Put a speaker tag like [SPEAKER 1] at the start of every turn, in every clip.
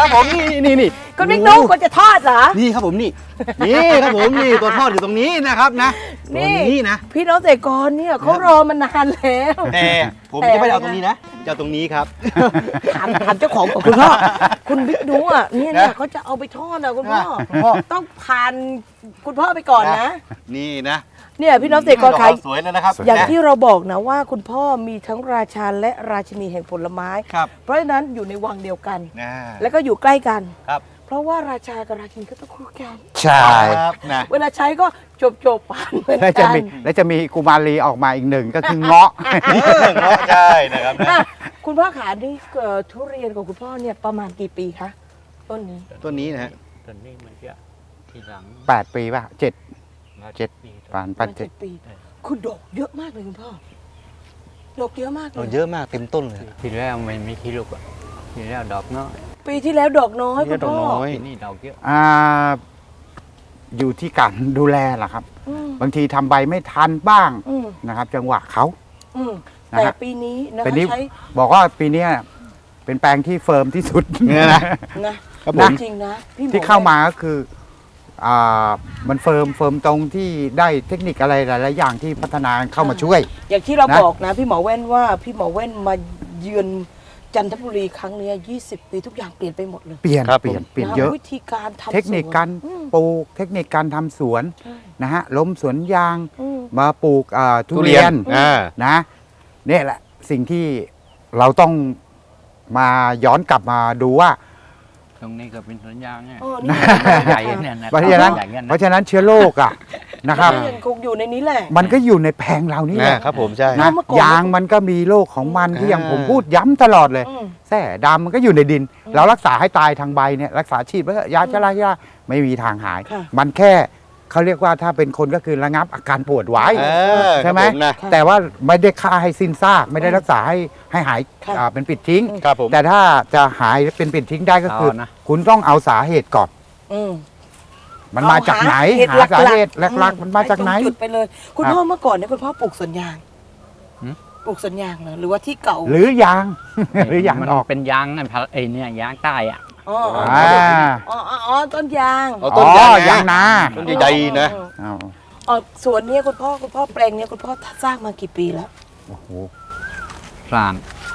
[SPEAKER 1] ครับผมนี่
[SPEAKER 2] คุณบิ๊กนุ๊กคนจะทอดเหรอ
[SPEAKER 1] นี่ครับผมนี่ครับผมนี่ตัวทอดอยู่ตรงนี้นะครับนะตัวนี้นะ
[SPEAKER 2] พี่น้องเกษตรกรเนี่ยเขารอมานานแล้ว
[SPEAKER 1] แต่ผมจะไม่ได้เอาตรงนี้นะจะเอาตรงนี้ครับ
[SPEAKER 2] ถามเจ้าของของคุณพ่อคุณบิ๊กนุ๊กอ่ะเนี่ยเขาจะเอาไปทอดอ่ะคุณพ่อต้องผ่านคุณพ่อไปก่อนนะ
[SPEAKER 1] นี่นะ
[SPEAKER 2] เนี่ยพี่น้องเกษตรกรขาย
[SPEAKER 1] สวยเลยนะครับ
[SPEAKER 2] อย่างที่เราบอกนะว่าคุณพ่อมีทั้งราชาและราชินีแห่งผลไม้
[SPEAKER 1] ครับ
[SPEAKER 2] เพราะฉะนั้นอยู่ในวังเดียวกัน
[SPEAKER 1] นะ
[SPEAKER 2] แล้วก็อยู่ใกล้กัน
[SPEAKER 1] ครับ
[SPEAKER 2] เพราะว่าราชากับราชินีก็ต้องคู่กัน
[SPEAKER 3] ใช่
[SPEAKER 1] ครับนะ
[SPEAKER 2] เวลาใช้ก็จบผ่านเหมือน
[SPEAKER 3] แล้วจะ
[SPEAKER 2] กัน
[SPEAKER 3] มีกุมารีออกมาอีกหนึ่งก็คือเงาะ
[SPEAKER 1] ใช่นะครับนะ
[SPEAKER 2] อ่ะคุณพ่อขานี่ทุเรียนของคุณพ่อเนี่ยประมาณกี่ปีคะต้นนี้
[SPEAKER 1] ตัวนี้นะฮะ
[SPEAKER 4] ตอนนี้มันจะทีหลัง
[SPEAKER 3] 8 ปีป่ะ7 7
[SPEAKER 4] ปี
[SPEAKER 3] ปาน
[SPEAKER 2] ป
[SPEAKER 3] ปั
[SPEAKER 2] ระ
[SPEAKER 3] น
[SPEAKER 2] มาณ
[SPEAKER 3] เจ็ด
[SPEAKER 2] 7 ปีคุณดอกเยอะมากเลยคุณพ่อดอกเยอะมากเล
[SPEAKER 1] เรา
[SPEAKER 2] ย
[SPEAKER 1] เยอะมากเต็มต้นเลย
[SPEAKER 4] ที่แล้วมันไม่ขี้ลูกอ่ะที่แล้วดอกน้อย
[SPEAKER 2] ปีที่แล้วดอกน้อยคุณพ่อ
[SPEAKER 1] ดอกน้อย
[SPEAKER 4] ปีนี้ดอกเยอะ
[SPEAKER 3] อยู่ที่การดูแลล่ะครับ
[SPEAKER 2] อืม
[SPEAKER 3] บางทีทำใบไม่ทันบ้าง
[SPEAKER 2] อืม
[SPEAKER 3] นะครับ จังหวะเขา
[SPEAKER 2] อืม
[SPEAKER 3] นะ
[SPEAKER 2] แต่
[SPEAKER 3] ฮะ
[SPEAKER 2] ปีนี้นะ
[SPEAKER 3] เป็น
[SPEAKER 2] คะ
[SPEAKER 3] นี้
[SPEAKER 2] ใช้
[SPEAKER 3] บอกว่าปีเนี้ยเป็นแปลงที่เฟิร์มที่สุด
[SPEAKER 1] เนี่ยนะ
[SPEAKER 2] นะครับ
[SPEAKER 1] ผม
[SPEAKER 2] จริงนะพี่หมอ
[SPEAKER 3] ที่เข้ามาก็คือมันเฟิร์มตรงที่ได้เทคนิคอะไรหลายๆอย่างที่พัฒนาเข้ามาช่วย
[SPEAKER 2] อย่างที่เรา
[SPEAKER 3] นะ
[SPEAKER 2] บอกนะพี่หมอแว่นว่าพี่หมอแว่นมาเยือนจันทบุรีครั้งเนี้ย20 ปีทุกอย่างเปลี่ยนไปหมดเลย
[SPEAKER 3] เปลี่ยน
[SPEAKER 1] ครับ
[SPEAKER 3] เปลี่ยน
[SPEAKER 1] ผม
[SPEAKER 3] เปลี่ยน
[SPEAKER 2] นะ
[SPEAKER 3] เยอะ
[SPEAKER 2] วิธีการทำ
[SPEAKER 3] เทคนิคการ
[SPEAKER 2] สวน
[SPEAKER 3] ปลูกเทคนิคการทำสวน
[SPEAKER 2] ใช่
[SPEAKER 3] นะฮะล้มสวนยาง
[SPEAKER 2] อืม
[SPEAKER 3] มาปลูกทุเรียน นะเนี่ยแหละสิ่งที่เราต้องมาย้อนกลับมาดูว่า
[SPEAKER 4] ตรงนี้ก็เป็นสวนยางไง
[SPEAKER 2] เออนี่
[SPEAKER 4] ใหญ่เนี่ยนะ
[SPEAKER 3] เพราะฉะนั้น
[SPEAKER 4] ใหญ่เนี่ย
[SPEAKER 3] เพราะฉะนั้นเชื้อโรคอ่ะนะครับ
[SPEAKER 2] ทุเรียนคงอยู่ในนี้แหละ
[SPEAKER 3] มันก็อยู่ในแผงเรานี่แหละ
[SPEAKER 1] ครับผมใช่
[SPEAKER 3] นะ
[SPEAKER 2] เมื่อก่อน
[SPEAKER 3] ยางมันก็มีโรคของมันที่อย่างผมพูดย้ำตลอดเลย
[SPEAKER 2] อืม
[SPEAKER 3] แส่ดำมันก็อยู่ในดิน เรารักษาให้ตายทางใบเนี่ยรักษาฉีดไว้เถอะยาชะลายาไม่มีทางหาย
[SPEAKER 2] ค่ะ
[SPEAKER 3] มันแค่เขาเรียกว่าถ้าเป็นคนก็คือระงับอาการปวดไว้ ใช่ไหม
[SPEAKER 1] ครับผนะ
[SPEAKER 3] แต่ว่าไม่ได้ฆ่าให้สิ้นซากไม่ได้รักษาให้หาย
[SPEAKER 2] ค่ะ
[SPEAKER 3] เป็นปิดทิ้ง
[SPEAKER 1] ครับผม
[SPEAKER 3] แต่ถ้าจะหายเป็นปิดทิ้งได้ก็คือ
[SPEAKER 4] เอานะ
[SPEAKER 3] คุณต้องเอาสาเหตุก่อน
[SPEAKER 2] อืม
[SPEAKER 3] มันมาจากไหน
[SPEAKER 2] เอ
[SPEAKER 3] หาสาเหตุหลักๆมันมาจากไหน
[SPEAKER 2] ปตรงจุดไปเลย คุณ
[SPEAKER 3] ครับ
[SPEAKER 2] พ่อเมื่อก่อนเนี่ยคุณพ่อปลูกสวนยาง
[SPEAKER 4] หืม
[SPEAKER 2] ปลูกสวนยางเหรอหรือว่าที่เก่า
[SPEAKER 3] หรือยาง หรือยาง
[SPEAKER 4] มัน
[SPEAKER 3] ออก
[SPEAKER 4] เป็นยางไอ้เนี่ยยางใต้อ่ะ
[SPEAKER 2] อ๋ออ๋อ
[SPEAKER 3] อ่า
[SPEAKER 2] อ๋ออ๋อต้นยาง
[SPEAKER 1] เอา
[SPEAKER 3] อ๋
[SPEAKER 1] ต้น
[SPEAKER 3] อยางนา
[SPEAKER 1] ต้นใหญ่ๆนะ
[SPEAKER 3] เอา
[SPEAKER 2] อ๋อสวนเนี้คุณพ่อแปลงเนี้ยคุณพ่อสร้างมากี่ปีแล้ว
[SPEAKER 3] โอ้โห
[SPEAKER 4] สร้าง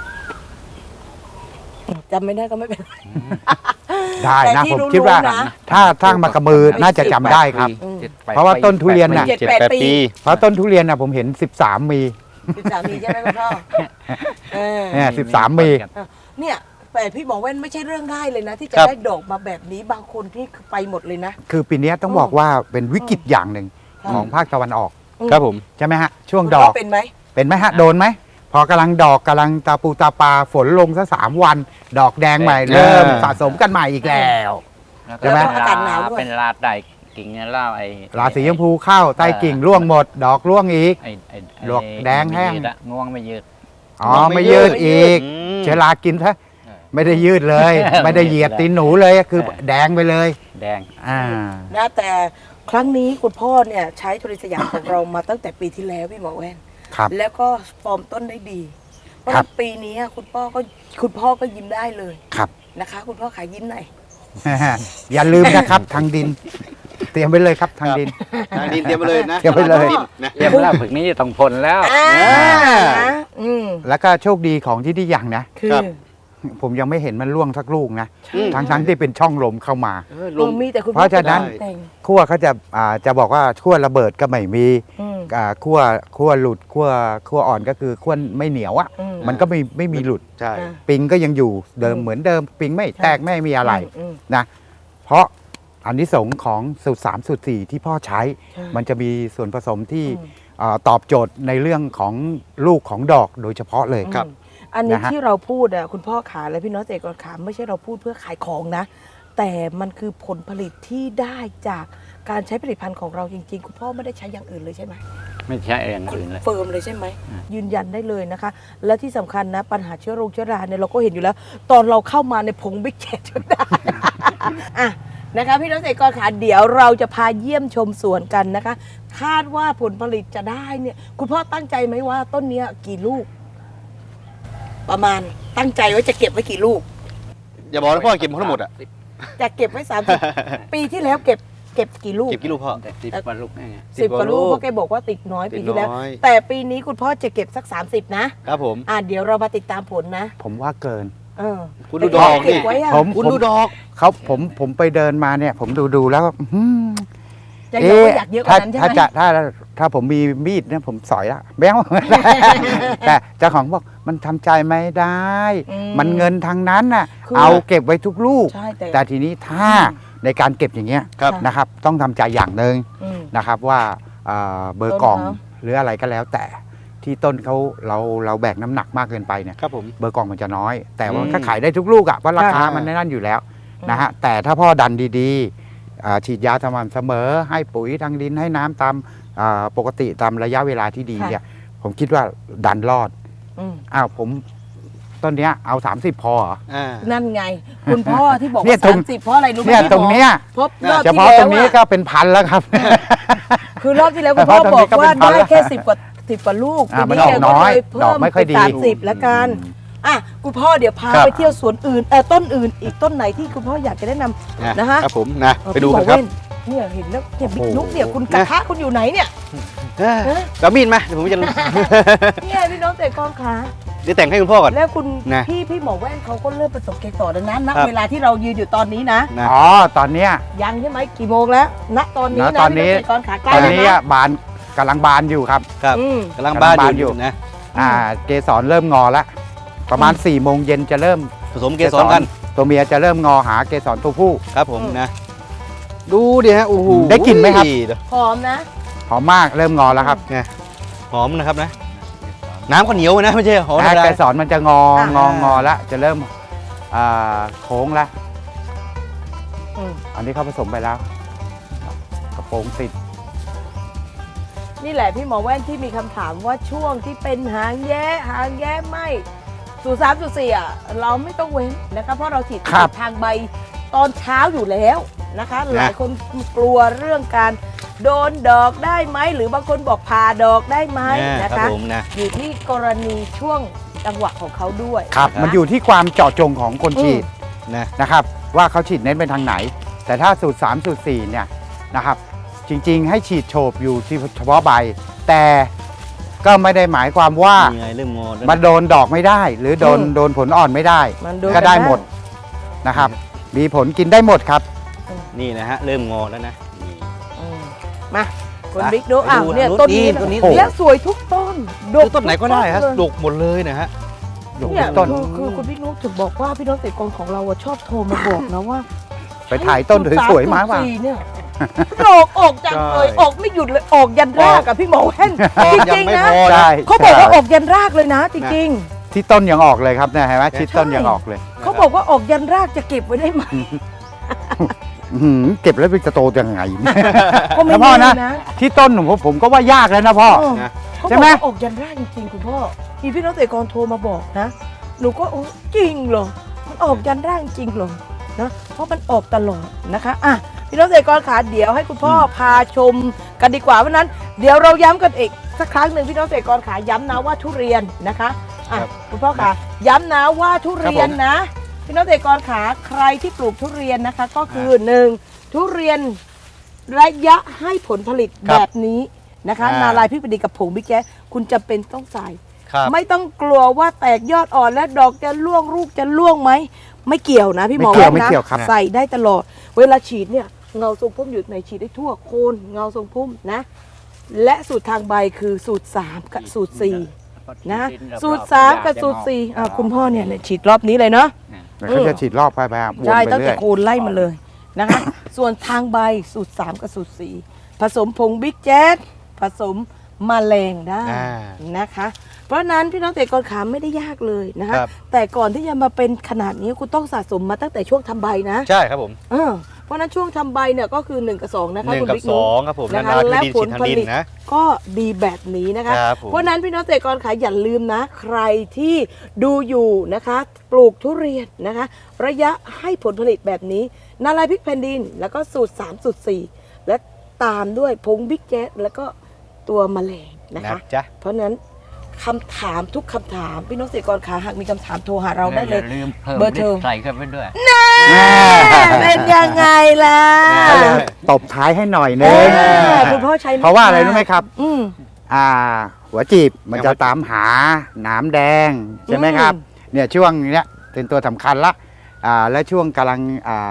[SPEAKER 2] จำไม่ได้ก็ไม่เป็นไร
[SPEAKER 3] ได้
[SPEAKER 2] แต่
[SPEAKER 3] นะ
[SPEAKER 2] ที่
[SPEAKER 3] ผม
[SPEAKER 2] รู้
[SPEAKER 3] คิดว่า
[SPEAKER 2] ๆนะ
[SPEAKER 3] ถ้าสร้างมากระมือน่าจะจำได้ครับ
[SPEAKER 2] อืม
[SPEAKER 3] เพราะว่าต้นทุเรียนน่ะ
[SPEAKER 2] 7-8 ปี
[SPEAKER 3] เพราะต้นทุเรียนน่ะผมเห็น 13 มี
[SPEAKER 2] 13 มีใช่ไหมคุณพ่อเออ
[SPEAKER 3] เนี่ย13 มี
[SPEAKER 2] เนี่ยแต่พี่หมอแว่นไม่ใช่เรื่องง่ายเลยนะ ที่จะ
[SPEAKER 1] ครับ
[SPEAKER 2] ได้ดอกมาแบบนี้บางคนที่ไปหมดเลยนะ
[SPEAKER 3] คือปีนี้ต้องบอกว่าเป็นวิกฤตอย่างหนึ่ง
[SPEAKER 2] อืม
[SPEAKER 3] ของภาคตะวันออก
[SPEAKER 1] ครับผม
[SPEAKER 3] ใช่ไหมฮะ ช่วง
[SPEAKER 2] คุณ
[SPEAKER 3] ด
[SPEAKER 2] พ่
[SPEAKER 3] อก
[SPEAKER 2] เป็นไหม
[SPEAKER 3] เป็นไหมฮะ โดนไหม พอกำลังดอกกำลังตาปูตาปลาฝนลงซะ3 วัน ดอกแดงใหม่เริ่มสะสมกันใหม่อีกแล้ว ใช่ไหม
[SPEAKER 2] แล้วก็อากาศหนาวด้วย
[SPEAKER 4] เป็นลาดได้กิ่งเนี่ยเล่าไอ้
[SPEAKER 3] ราศีชมพูเข้าใต้กิ่งร่วงหมด ดอกร่วงอีก
[SPEAKER 4] ไอ้
[SPEAKER 3] ดอกแดงแห้ง
[SPEAKER 4] ไม่ยืดอะงวงไม่ยืด
[SPEAKER 3] อ๋อไม่ยืดอีก
[SPEAKER 1] ม
[SPEAKER 3] เชื้อรากินซะไม่ได้ยืดเลย ไม่ได้เหยียดตีนหนูเลยคือแดงไปเลย
[SPEAKER 4] แดง
[SPEAKER 3] อ่า
[SPEAKER 2] นะแต่ครั้งนี้คุณพ่อเนี่ยใช้ทุเรียนสยามของเรามาตั้งแต่ปีที่แล้วพี่หมอแว่น
[SPEAKER 3] ครับ
[SPEAKER 2] แล้วก็ฟอร์มต้นได้ดี เพราะ
[SPEAKER 3] ครับ
[SPEAKER 2] ฉะนั้นปีนี้คุณพ่อก็ยิ้มได้เลย
[SPEAKER 3] ครับ
[SPEAKER 2] นะคะ คุณพ่อขายยิ้มหน่อย
[SPEAKER 3] อย่าลืมนะครับทางดิน เตรียมไว้เลยครับทางดิน
[SPEAKER 1] ทางดินเตรียมไปเลยนะ
[SPEAKER 3] เตรียมไปเลย
[SPEAKER 1] ดินนะ
[SPEAKER 4] เยี่ยมแล้วผึกนี้จะต้องพลแล้ว
[SPEAKER 2] นะ
[SPEAKER 3] แล้วก็โชคดีของที่อย่างนะ
[SPEAKER 2] คือ
[SPEAKER 1] ครับ
[SPEAKER 3] ผมยังไม่เห็นมันร่วงสักลูกนะ
[SPEAKER 1] อืม
[SPEAKER 3] ทั้งที่เป็นช่องลมเข้ามา
[SPEAKER 2] ลมมีแต่คุณพ่อ
[SPEAKER 3] เพราะฉะนั้น
[SPEAKER 2] แต่ง
[SPEAKER 3] ขั้วเขาจะบอกว่าขั้วระเบิดก็ไม่มี
[SPEAKER 2] อืม
[SPEAKER 3] ขั้วหลุดขั้วอ่อนก็คือขั้วไม่เหนียวอ่ะ
[SPEAKER 2] อืม
[SPEAKER 3] มันก็ไม่มีหลุด
[SPEAKER 1] ใช่
[SPEAKER 2] อ่ะ
[SPEAKER 3] ปิงก็ยังอยู่เดิม
[SPEAKER 2] อืม
[SPEAKER 3] เหมือนเดิม ปิงไม่แตกไม่มีอะไร
[SPEAKER 2] อืม
[SPEAKER 3] นะเพราะอันนี้สงส์ของสูตร3สูตร4ที่พ่อใช้
[SPEAKER 2] ใช่
[SPEAKER 3] มันจะมีส่วนผสมที่
[SPEAKER 2] อืม
[SPEAKER 3] ตอบโจทย์ในเรื่องของลูกของดอกโดยเฉพาะเลย
[SPEAKER 1] ครับ
[SPEAKER 2] อันนี้
[SPEAKER 3] นะฮะ
[SPEAKER 2] ที่เราพูดอ่ะคุณพ่อขาและพี่น้องเกษตรกรขาไม่ใช่เราพูดเพื่อขายของนะ แต่มันคือผลผลิตที่ได้จากการใช้ผลิตภัณฑ์ของเราจริงๆ คุณพ่อไม่ได้ใช้อย่างอื่นเลยใช่ไหม
[SPEAKER 4] ไม่ใช่อย่างอื่นเลย
[SPEAKER 2] เฟิร์มเลยใช่ไหมยืนยันได้เลยนะคะ และที่สำคัญนะปัญหาเชื้อราเนี่ยเราก็เห็นอยู่แล้ว ตอนเราเข้ามาในผงบิ๊กแคทได้ อ่ะนะคะพี่น้องเกษตรกรขาเดี๋ยวเราจะพาเยี่ยมชมสวนกันนะคะ คาดว่าผลผลิตจะได้เนี่ย คุณพ่อตั้งใจไหมว่าต้นเนี้ยกี่ลูก ประมาณตั้งใจไว้จะเก็บไว้กี่ลูก
[SPEAKER 1] อย่าบอกนะพ่อเก็บทั้งหมดอ่ะ
[SPEAKER 2] จะเก็บไว้30 ปีที่แล้วเก็บกี่ลูก
[SPEAKER 1] เก็บกี่ลูกพ่อ
[SPEAKER 4] แต่10 กว่าลูกนี่ไง
[SPEAKER 2] 10 กว่าลูก
[SPEAKER 1] 10
[SPEAKER 2] เพราะแกบอกว่าติดน้อย
[SPEAKER 1] ติ
[SPEAKER 2] ปี
[SPEAKER 1] ด
[SPEAKER 2] ที่แล้ว
[SPEAKER 1] น้อย
[SPEAKER 2] แต่ปีนี้คุณพ่อจะเก็บสัก 30 นะครับ
[SPEAKER 1] ผม
[SPEAKER 2] เดี๋ยวเรามาติดตามผลนะ
[SPEAKER 3] ผมว่าเกิน
[SPEAKER 2] เออ
[SPEAKER 1] คุณดูดอก
[SPEAKER 2] เก็
[SPEAKER 1] นี่
[SPEAKER 2] บไว้อะ
[SPEAKER 1] คุณดูดอก
[SPEAKER 3] ผมไปเดินมาเนี่ยผมดูแล้ว
[SPEAKER 2] จะบอกว่าอยากเยอะกว่านั้นใช่ไหม
[SPEAKER 3] ถ้าผมมีมีดเนี่ยผมสอยละแบ้ว แต่เจ้าของบอกมันทำใจไม่ได้ มันเงินทางนั้นน่ะ
[SPEAKER 2] คือ
[SPEAKER 3] เอาเก็บไว้ทุกลูก
[SPEAKER 2] ใช่แต่
[SPEAKER 3] แต่ทีนี้ถ้าในการเก็บอย่างเงี้ย
[SPEAKER 1] ครับ
[SPEAKER 3] นะครับ ต้องทำใจอย่างหนึ่ง
[SPEAKER 2] อืม
[SPEAKER 3] นะครับว่าเบอร์กล่อง
[SPEAKER 2] ต้นเขา
[SPEAKER 3] หรืออะไรก็แล้วแต่ที่ต้นเขาเราแบกน้ำหนักมากเกินไปเนี่ย
[SPEAKER 1] ครับผม
[SPEAKER 3] เบอร์กล่องมันจะน้อย แต่ว่า
[SPEAKER 1] อืม
[SPEAKER 3] ก็ขายได้ทุกลูกอ่ะเพราะราคา
[SPEAKER 1] ใช่
[SPEAKER 3] มันนั่นอยู่แล้วนะฮะแต่ถ้าพ่อดันดีๆฉีดยาสม่ำเสมอ ให้ปุ๋ยทางดินให้น้ำตามปกติตามระยะเวลาที่ดีเนี่ยผมคิดว่าดันรอด
[SPEAKER 2] อืม
[SPEAKER 3] อ้าวผมต้นเนี้ยเอา 30 พอเหรอ
[SPEAKER 1] อ่า
[SPEAKER 2] นั่นไง คุณพ่อที่บอก
[SPEAKER 3] เนี่
[SPEAKER 2] ว่าย
[SPEAKER 3] ตรง
[SPEAKER 2] 30เพราะอะไรรู้ไหม
[SPEAKER 3] เนี่ย
[SPEAKER 2] พี่
[SPEAKER 3] ตรงเนี้ย
[SPEAKER 2] เพราะรอบ
[SPEAKER 3] เฉ
[SPEAKER 2] ที่
[SPEAKER 3] พาะ
[SPEAKER 2] แล้
[SPEAKER 3] ตร
[SPEAKER 2] ว
[SPEAKER 3] งนี้
[SPEAKER 2] อะ
[SPEAKER 3] ก็เป็นพันแล้วครับ
[SPEAKER 2] คือรอบที่แล้วคุณพ่อ
[SPEAKER 3] เฉพาะตรง
[SPEAKER 2] บอ
[SPEAKER 3] นี้
[SPEAKER 2] ก
[SPEAKER 3] ก็
[SPEAKER 2] ว่า
[SPEAKER 3] เป็นพัน
[SPEAKER 2] ได้
[SPEAKER 3] แล้ว
[SPEAKER 2] แค่10 กว่าลูก
[SPEAKER 3] มัน
[SPEAKER 2] ปี
[SPEAKER 3] ออกน้อย
[SPEAKER 2] แกก็เลย
[SPEAKER 3] ดอกไม่ค่อยดี
[SPEAKER 2] เพิ่มเป็น30แล้วกันอ่ะคุณพ่อเดี๋ยวพา
[SPEAKER 3] ครับ
[SPEAKER 2] ไปเที่ยวสวนอื่นต้นอื่นอีกต้นไหนที่คุณพ่ออยากจะแนะนำนะฮะ
[SPEAKER 1] ครับผมนะไปดูกันครับ
[SPEAKER 2] พี่หมอเว้นเนี่ยเห็นแล้วเนี่ยบิ๊ก
[SPEAKER 3] โอ้โห
[SPEAKER 2] นุ๊กเนี่ยคุณกระทะคุณอยู่ไหนเนี่ย
[SPEAKER 1] แล้วมีดมาเดี๋ยวผมจะ
[SPEAKER 2] เนี่ยพี่น้องเตะกองขา
[SPEAKER 1] เดี๋ยวแต่งให้คุณพ่อก่อน
[SPEAKER 2] แล้วคุณ
[SPEAKER 1] นะ
[SPEAKER 2] พี่หมอแว่นเขาก็เริ่มประสบเกสรแล้วนะณ
[SPEAKER 1] ครับ
[SPEAKER 2] เวลาที่เรายืนอยู่ตอนนี้นะ
[SPEAKER 1] นะ
[SPEAKER 3] อ๋อตอนเนี้ย
[SPEAKER 2] ยังใช่ไหมกี่โมงแล้วณตอนนี้
[SPEAKER 3] ณ
[SPEAKER 2] นะ
[SPEAKER 3] ตอนนี้
[SPEAKER 2] พี่น้องเตะกองขาใกล้
[SPEAKER 3] ตอน
[SPEAKER 2] แล้ว
[SPEAKER 3] นี้
[SPEAKER 2] นะ
[SPEAKER 3] บานกำลังบานอยู่ครับ
[SPEAKER 1] ครับ
[SPEAKER 2] อืม
[SPEAKER 1] กำลังบ้าน
[SPEAKER 3] กำลังบ้าน
[SPEAKER 1] อ
[SPEAKER 3] อยู่
[SPEAKER 1] ยู่นะ
[SPEAKER 3] เกสรเริ่มงอแล้วประมาณ4 โมงเย็นจะเริ่ม
[SPEAKER 1] ผสมเกสรกัน
[SPEAKER 3] ตัวเมียจะเริ่มงอหาเกสรตัวผู้
[SPEAKER 1] ครับผมนะ ดูดิฮะโอ้โห
[SPEAKER 3] ได้กลิ่นไหมครับ
[SPEAKER 2] หอมนะ
[SPEAKER 3] หอมมากเริ่มงอแล้วครับ
[SPEAKER 1] หอมนะครับนะ น้ำก็เหนียวนะไม่ใช่หอมธรรมดา
[SPEAKER 3] เกสรมันจะงอแล้วจะเริ่มโค้งแล้ว
[SPEAKER 2] อืม
[SPEAKER 3] อันนี้เขาผสมไปแล้วกระโปรงติด
[SPEAKER 2] นี่แหละพี่หมอแว่นที่มีคำถามว่าช่วงที่เป็นหางแย้ไม่03.4อ่ะเราไม่ต้องเว้นนะคะเพราะเราฉีด
[SPEAKER 3] ครับ
[SPEAKER 2] ทางใบตอนเช้าอยู่แล้วนะคะ หลายคนกลัวเรื่องการโดนดอกได้ไหมหรือบางคนบอกผ่าดอกได้ไหมนะ
[SPEAKER 1] ครั
[SPEAKER 2] คะ
[SPEAKER 1] บผมนะ
[SPEAKER 2] อยู่ที่กรณีช่วงจังหวะของเขาด้วย
[SPEAKER 3] ครับ
[SPEAKER 2] นะ
[SPEAKER 3] มันอยู่ที่ความเจาะจงของคนฉีด
[SPEAKER 1] นะ
[SPEAKER 3] นะครับ ว่าเขาฉีดเน้นไปทางไหน แต่ถ้าสูตร3สูตร4เนี่ยนะครับ จริงๆ ให้ฉีดโฉบอยู่ที่เฉพาะใบ แต่ก็ไม่ได้หมายความว่า
[SPEAKER 1] นี่ไงเริ่มงอแล้ว
[SPEAKER 3] มันโดนดอกไม่ได้ หรือโดนผลอ่อนไม่ได้
[SPEAKER 2] มันโดน
[SPEAKER 3] ก็ได้หมดนะครับ มีผลกินได้หมดครับ
[SPEAKER 1] นี่นะฮะเริ่มงอแล้วนะนี่
[SPEAKER 2] อืมมาคุณ
[SPEAKER 1] อ่ะ
[SPEAKER 2] บิ๊กดู
[SPEAKER 1] ไป
[SPEAKER 2] อ้าว
[SPEAKER 1] ดู
[SPEAKER 2] เนี่ย
[SPEAKER 1] นะ
[SPEAKER 2] ต้นนี้
[SPEAKER 1] ต้นนี้
[SPEAKER 2] ะและสวยทุกต้นดก
[SPEAKER 1] ต้นไหนก็ได้ฮะ
[SPEAKER 2] ทุ
[SPEAKER 1] ดกหมดเลยนะฮะ
[SPEAKER 3] ดก
[SPEAKER 2] เนี่ย
[SPEAKER 3] ทุกต้น
[SPEAKER 2] คือคุณบิ๊กนุ๊กถึงบอกว่าพี่น้องเตะกรของเราอะชอบโทรมาบอกนะว่า
[SPEAKER 3] ไปถ่ายต้นสวยๆมาว่ะ
[SPEAKER 2] 3.4เนี่ยออกจังเลย
[SPEAKER 1] ใช่
[SPEAKER 2] ออกไม่หยุดเลยออกยันรากกับพี่หมอแว่นจ
[SPEAKER 1] ยัง
[SPEAKER 2] ริง
[SPEAKER 1] ไม่
[SPEAKER 2] ๆนะ
[SPEAKER 1] พอ
[SPEAKER 3] ใช่
[SPEAKER 2] เขาบอกว่าออกยันรากเลยนะจริง
[SPEAKER 3] ที่ต้นยังออกเลยครับเนี่ยเห็นไหมที่ต้นยังออกเลย
[SPEAKER 2] ๆเขาบอกว่าออกยันรากจะเก็บไว้ได้ไหม
[SPEAKER 3] อื้อหือเก็บแล้วมันจะโตยังไง
[SPEAKER 2] ก็ไม่
[SPEAKER 3] แล้วพ่อ
[SPEAKER 2] แน่
[SPEAKER 3] นะ
[SPEAKER 2] นะ
[SPEAKER 3] ที่ต้นผมก็ว่ายากแล้วนะพ่อ
[SPEAKER 2] เออ
[SPEAKER 1] นะ
[SPEAKER 2] เขา
[SPEAKER 3] ใช่
[SPEAKER 2] บอก
[SPEAKER 3] ไหม
[SPEAKER 2] ว่าออกยันรากจริงๆคุณพ่อมีพี่น้องเตะกรโทรมาบอกนะหนูก็โอ้จริงเหรอมันออกยันรากจริงเหรอนะเพราะมันออกตลอดนะคะอ่ะพี่น้องเตะกรขาเดี๋ยวให้คุณพ่อพาชมกันดีกว่าเพราะฉะนั้นเดี๋ยวเราย้ำกันอีกสักครั้งหนึ่งพี่น้องเตะกรขาย้ำนะว่าทุเรียนนะคะอ่ะ
[SPEAKER 1] ครับ
[SPEAKER 2] คุณพ่อขาย้ำนะว่าทุเรียน
[SPEAKER 1] ครับผม
[SPEAKER 2] นะพี่น้องเตะกรขาใครที่ปลูกทุเรียนนะคะก็คือหนึ่งทุเรียนระยะให้ผลผลิต
[SPEAKER 1] ครับ
[SPEAKER 2] แบบนี้นะคะ
[SPEAKER 1] อ่า
[SPEAKER 2] นาลายพริกประดิษฐ์กับผงบิ๊กแจ๊สคุณจำเป็นต้องใส่
[SPEAKER 1] ครับ
[SPEAKER 2] ไม่ต้องกลัวว่าแตกยอดอ่อนและดอกจะร่วงลูกจะร่วงไหมไม่เกี่ยวนะพี่หมอ
[SPEAKER 3] ไม่เกี่ยว
[SPEAKER 2] ว่า
[SPEAKER 3] ไม่
[SPEAKER 2] นะ
[SPEAKER 3] เกี่ยวครับ
[SPEAKER 2] ใส่ได้ตลอด เวลาฉีดเนี่ยเงาทรงพุ่มอยู่ในฉีดได้ทั่วโคนเงาทรงพุ่มนะ และสูตรทางใบคือสูตร 3 กับสูตร 4 นะ สูตร 3 กับสูตร4คุณพ่อเนี่ยฉีดรอบนี้เลยเนาะ
[SPEAKER 3] แล้วเขาจะฉีดรอบไปวน
[SPEAKER 2] ใช่
[SPEAKER 3] ไป
[SPEAKER 2] ตั้ง
[SPEAKER 3] เรื่
[SPEAKER 2] แต่
[SPEAKER 3] อย
[SPEAKER 2] โคนไล่มาเลยนะคะ ส่วนทางใบสูตร 3 กับสูตร 4 ผสมผงบิ๊กแจ๊สผสมแมลงได้
[SPEAKER 1] อ่า
[SPEAKER 2] นะคะ เพราะฉะนั้นพี่น้องเตะกรขาไม่ได้ยากเลยนะคะ
[SPEAKER 1] ครับ
[SPEAKER 2] แต่ก่อนที่จะมาเป็นขนาดนี้คุณต้องสะสมมาตั้งแต่ช่วงทำใบนะ
[SPEAKER 1] ใช่ครับผม
[SPEAKER 2] เพราะฉะนั้นช่วงทำใบเนี่ยก็คือ 1 กับ 2 นะคะ
[SPEAKER 1] 1
[SPEAKER 2] คุณ
[SPEAKER 1] กับ
[SPEAKER 2] บิ๊กนุ๊ก
[SPEAKER 1] 2ครับผม
[SPEAKER 2] นะคะ
[SPEAKER 1] นา
[SPEAKER 2] และ
[SPEAKER 1] ดิน
[SPEAKER 2] ผ
[SPEAKER 1] ฉี
[SPEAKER 2] ล
[SPEAKER 1] ดทาง
[SPEAKER 2] ผ
[SPEAKER 1] ดิน
[SPEAKER 2] ลิต
[SPEAKER 1] นะ
[SPEAKER 2] ก็ดีแบบนี้นะคะ
[SPEAKER 1] ครับผม
[SPEAKER 2] เพราะฉะนั้นพี่น้องเตะกรขาอย่าลืมนะ ใครที่ดูอยู่นะคะ ปลูกทุเรียนนะคะ ระยะให้ผลผลิตแบบนี้นาลายพริกแผ่นดิน แล้วก็สูตร 3 สูตร 4 และตามด้วยผงบิ๊กแจ๊สแล้วก็ตัวแมลงนะ
[SPEAKER 1] นะคะ จ๊ะ
[SPEAKER 2] เพราะฉะนั้นคำถามทุกคำถามพี่น้องเกษตรกรขาหากมีคำถามโทรหาเราได้เลย
[SPEAKER 4] อย่าลืมเพิ่ม
[SPEAKER 2] เบอร์โทร
[SPEAKER 4] ใส่เข้าไปด้วย
[SPEAKER 2] เป็นยังไงล่ะ
[SPEAKER 3] ก็เลยตบท้ายให้หน่อยนึ
[SPEAKER 2] เอง อคุณพ่อใช้
[SPEAKER 3] เพราะว่าอะไรรู้ไหมครับ
[SPEAKER 2] อืม
[SPEAKER 3] หัวจีบมันจะตามหาหนามแดงใช่ไหมครับเนี่ยช่วงเนี้ยเป็นตัวสำคัญละและช่วงกำลัง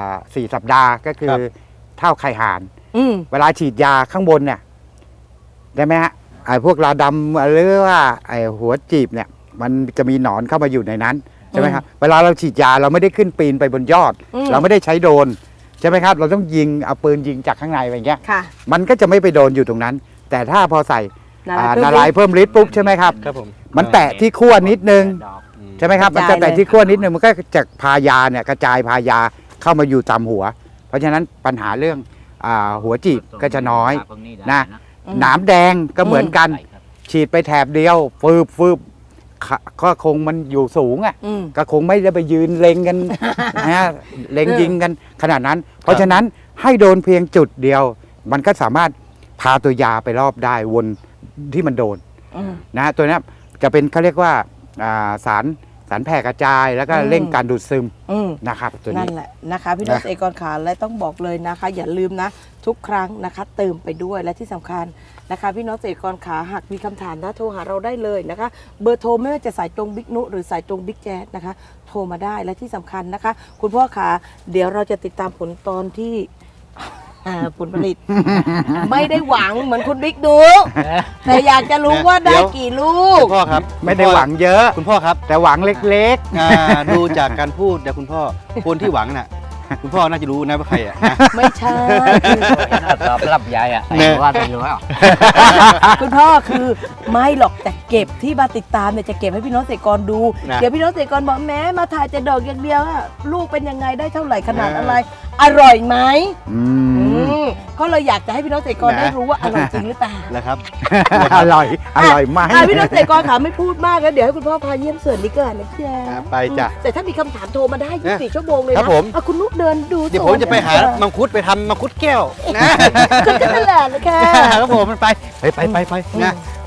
[SPEAKER 3] 4 สัปดาห์ก็คือเท่าไข่ห่าน
[SPEAKER 2] อืม
[SPEAKER 3] เวลาฉีดยาข้างบนเนี่ยได้ไหมฮะไอ้พวกราดำหรือว่าไอ้หัวจีบเนี่ยมันจะมีหนอนเข้ามาอยู่ในนั้นใช่ไหมครับเวลาเราฉีดยาเราไม่ได้ขึ้นปีนไปบนยอด เราไม่ได้ใช้โดรนใช่ไหมครับเราต้องยิงเอาปืนยิงจากข้างในไปอย่างเงี้ย
[SPEAKER 2] ค่ะ
[SPEAKER 3] มันก็จะไม่ไปโดนอยู่ตรงนั้น แต่ถ้าพอใส่
[SPEAKER 2] นา
[SPEAKER 3] นาลายเพิ่มฤทธิ์ปุ๊บใช่ไหมครับ
[SPEAKER 1] ครับผม
[SPEAKER 3] มันแตะที่ขั้วนิดนึง
[SPEAKER 4] ดอก
[SPEAKER 3] ใช่ไหมครับ
[SPEAKER 2] ก
[SPEAKER 3] มัน
[SPEAKER 2] ระจาย
[SPEAKER 3] จะแตะ
[SPEAKER 2] เลย
[SPEAKER 3] ที่ขั้วนิดนึงมันก็จะพายาเนี่ยกระจายพายาเข้ามาอยู่ตามหัว เพราะฉะนั้นปัญหาเรื่องหัวจีบก็จะน้อย
[SPEAKER 4] พวกได้
[SPEAKER 3] นะ หนามแดงก็เหมือนกัน
[SPEAKER 4] ใส่ครับ
[SPEAKER 3] ฉีดไปแถบเดียวฟืบก็คงมันอยู่สูงอ่ะ
[SPEAKER 2] อืม
[SPEAKER 3] ก็คงไม่ได้ไปยืนเล็งกัน นะฮะเล็งยิงกันขนาดนั้น เพราะฉะนั้นให้โดนเพียงจุดเดียว มันก็สามารถพาตัวยาไปรอบได้วนที่มันโดน
[SPEAKER 2] อืม
[SPEAKER 3] นะฮะตัวนี้จะเป็นเขาเรียกว่าสารแผ่กระจายแล้วก็
[SPEAKER 2] อืม
[SPEAKER 3] เร่งการดูดซึม
[SPEAKER 2] อืม
[SPEAKER 3] นะครับตัว
[SPEAKER 2] นั่
[SPEAKER 3] นี้
[SPEAKER 2] นแหละนะคะพี่น้องเกษตรกรขาและต้องบอกเลยนะคะ อย่าลืมนะ ทุกครั้งนะคะเติมไปด้วยและที่สำคัญนะคะ พี่น้องเกษตรกรขาหากมีคำถามนะโทรหาเราได้เลยนะคะ เบอร์โทรไม่ว่าจะสายตรงบิ๊กนุหรือสายตรงบิ๊กแจ๊ดนะคะ โทรมาได้และที่สำคัญนะคะ คุณพ่อขาเดี๋ยวเราจะติดตามผลตอนที่ ผลผลิต ไม่ได้หวังเหมือนคุณบิ๊กดูแต่อยากจะรู้ว่าได้กี่ลูก
[SPEAKER 1] คุณพ่อครับ
[SPEAKER 3] ไม่ได้หวังเยอะ
[SPEAKER 1] คุณพ่อครับ
[SPEAKER 3] แต่หวังเล็ก
[SPEAKER 1] ดูจากการพูดเดี๋ยวคุณพ่อคนที่หวังน่ะคุณพ่อน่าจะรู้นะว่าใครอ่ะนะ
[SPEAKER 2] ไม่ใช่
[SPEAKER 4] ตอบรับยายอ่ะ
[SPEAKER 1] เนี่ย
[SPEAKER 4] ว่าไปรู้อ่ะ
[SPEAKER 2] คุณพ่อคือไม่หรอกแต่เก็บที่มาติดตามเนี่ยจะเก็บให้พี่น้องเกษตรกรดู
[SPEAKER 1] นะ
[SPEAKER 2] เดี๋ยวพี่น้องเกษตรกรบอกแม้มาถ่ายแต่ดอกอย่างเดียวอะลูกเป็นยังไงได้เท่าไหร่ขนาดอะไร อร่อยไหม
[SPEAKER 3] ๆ
[SPEAKER 2] ก็เลยอยากจะให้พี่น้องเกษตรกรได้รู้ว่าอร่อยจริงหรือเปล่า
[SPEAKER 1] แล้วครับ
[SPEAKER 3] อร่อยไหม
[SPEAKER 2] พี่น้องเกษตรกรขาไม่พูดมากแล้วเดี๋ยวให้คุณพ่อพาเยี่ยมสวนดีกว่านะจ๊ะ
[SPEAKER 1] ไปจ้ะ
[SPEAKER 2] แต่ถ้ามีคำถามโทรมาได้24 ชั่วโมงเลย
[SPEAKER 1] ครั
[SPEAKER 2] นะ
[SPEAKER 1] บผม
[SPEAKER 2] เอาคุณนุ๊กเดินดู
[SPEAKER 1] เดี๋ยวผมจะไปหามังคุดไปทำมังคุดแก้วนะ
[SPEAKER 2] ก็นั่นแหละนะคะ
[SPEAKER 1] ครับผมมันไปไปนะ